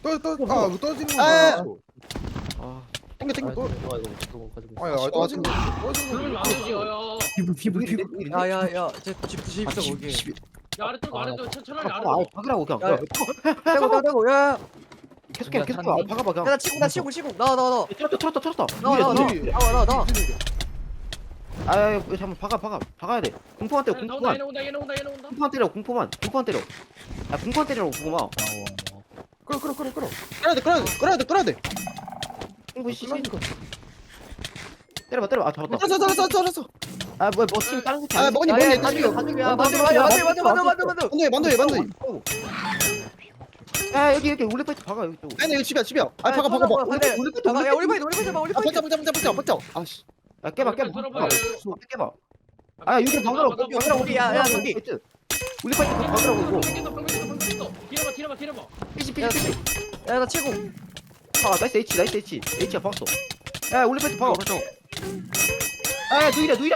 떨어지는 아, 거. 아 땡겨 땡겨. 이거 가지고 아야 떨어지는 거. 그러면 안 되지. 야야. 피부. 야야야 쟤집 있어 거기 야 아래쪽 아래쪽 차라리 아, 아래쪽. 박으라고 그냥. 야, 떼고 야야 계속해 계속. 박아봐 그냥. 나 치고 나와 쳤다. 나와 아, 잠깐 박아야 돼. 공포만 때려. 나온다 공포만. 얘네 온다. 공포만 때려. 공포만 때려. 아, 공포만 때리라고 공포만. 끌어. 끌어야 돼. 공포 씨. 때려봐. 아, 잡았다. 잘했어. 아, 팀 다른 새끼 아, 아니야? 먹니 야야 다시. 야 만두 아, 야, 여기 올리파이트 박아 여기 또. 아니 이거 집이야. 아, 박아. 야 올리바이 버텨. 아씨. 야, 깨봐. 깨봐. 아, 여기 박으라고. 야, 여기. 올리파이트 박으라고 이거. 뒤려봐. 피시. 야나 치고 박아. 나이스 H. H야 박았어. 야, 올리파이트 박아. 아, 누이라고.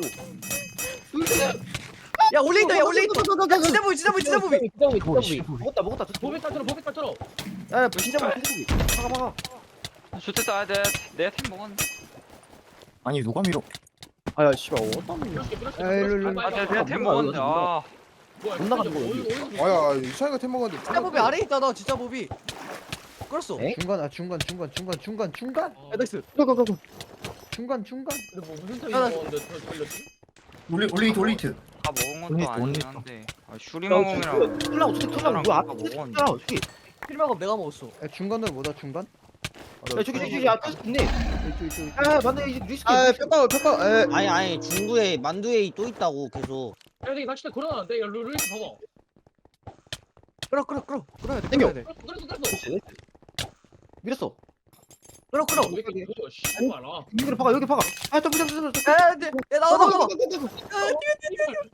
야 올레이터 진짜 보이 먹었다. 보백 털어. 야, 진짜 박아. 좋겠다. 내템 먹었는데. 아니 누가 밀어? 아야 씨발 어떤 내템 먹었는데. 아. 못 나가는 거, 아야 이찬이가 템 먹었는데. 진짜 보비 아래 있다 진짜 보비 끌었어 에? 중간. 야 나이스 중간. 무슨 템이 야, 나- 먹었는데 털렸지? 올리트. 다 먹은 것도 언니, 아니긴 언니. 한데. 슈리모mom이랑 툴라고 뭐야? 저기. 필마가 내가 먹었어 야, 중간으로 뭐다 중간? 야, 저기 야, 계속 있네. 아, 맞네. 이제 리스크. 아 뼈가. 아니 중구에 만두에 또 있다고 계속. 야 여기 낚싯대 걸어놨는데. 야 루이스 봐봐. 끌어야 돼 땡겨. 끌어야 돼 끌었어. 밀었어. 끌어 왜 이렇게 보여? 씨발 아. 여기 박아. 아, 좀. 야 나와